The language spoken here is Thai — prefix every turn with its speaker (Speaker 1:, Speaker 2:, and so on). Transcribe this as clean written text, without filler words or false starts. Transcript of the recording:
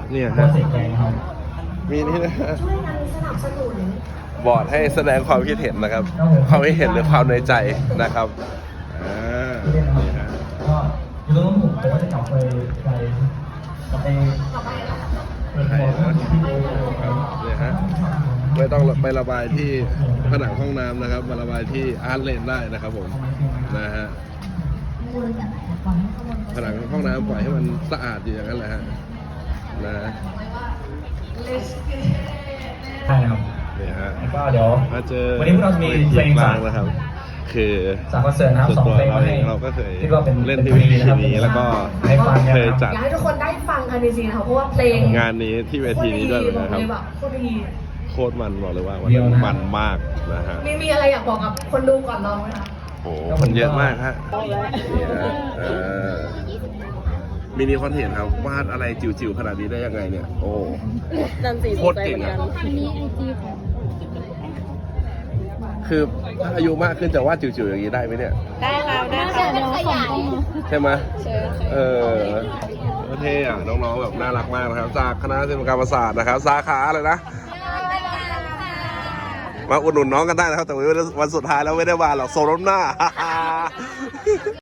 Speaker 1: เนี่ยฮะมีนี่นะบอร์ดให้แสดงความคิดเห็นนะครับความคิดเห็นหรือความในใจนะครับนี่ฮะ
Speaker 2: อยู่ตรงนู้นผมก็จะกลับไป
Speaker 1: เนี่ยฮะไม่ต้องไประบายที่ผนังห้องน้ำนะครับมาระบายที่อาร์ตเลนได้นะครับผมนะฮะผนังห้องน้ำปล่อยให้มันสะอาดอยู่อย่างนั้นแหละฮะนะ
Speaker 2: ใช่ครับ
Speaker 1: เนี่ยฮะ
Speaker 2: ก็เดี๋ยว
Speaker 1: มาเจอ
Speaker 2: วันนี้พวกเราจะมีเพลง
Speaker 1: กลางนะครับคือ
Speaker 2: จากคอนเสิร์ตนะครับ2 เพลง
Speaker 1: เราก็เคยเล่น
Speaker 2: ที่
Speaker 1: ที่เวทีนี้แล้วก็เคยจัด
Speaker 3: อยากให้ทุกคนได้ฟังกันจริงๆนะคะเพราะว่าเพลง
Speaker 1: งานนี้ที่เวทีนี้ด้วยนะครับโคตรมันบอกเลยว่ามันมากนะฮะ
Speaker 3: มีอะไรอยากบอกกับคนดูก่อนร้องไหมคะ
Speaker 1: โอ้มันเยอะมากฮะนี่ฮะมินิคอนเทนต์ครับวาดอะไรจิ๋วๆขนาดนี้ได้ยังไงเนี่ยโอ้โคตรเก่งอ่ะคือถ้าอายุมากขึ้นจะวาดจิ๋วๆอย่างนี้ได้ไหมเนี่ย
Speaker 4: ได้ค่ะได้ค่ะเดี๋ยวขยาย
Speaker 1: ใช่ไหมเท่อะน้องๆแบบน่ารักมากนะครับจากคณะศิลปกรรมศาสตร์นะครับสาขาอะไรนะมาอุดหนุนน้องกันได้นะครับแต่วันสุดท้ายแล้วไม่ได้มาหรอกโซนหน้า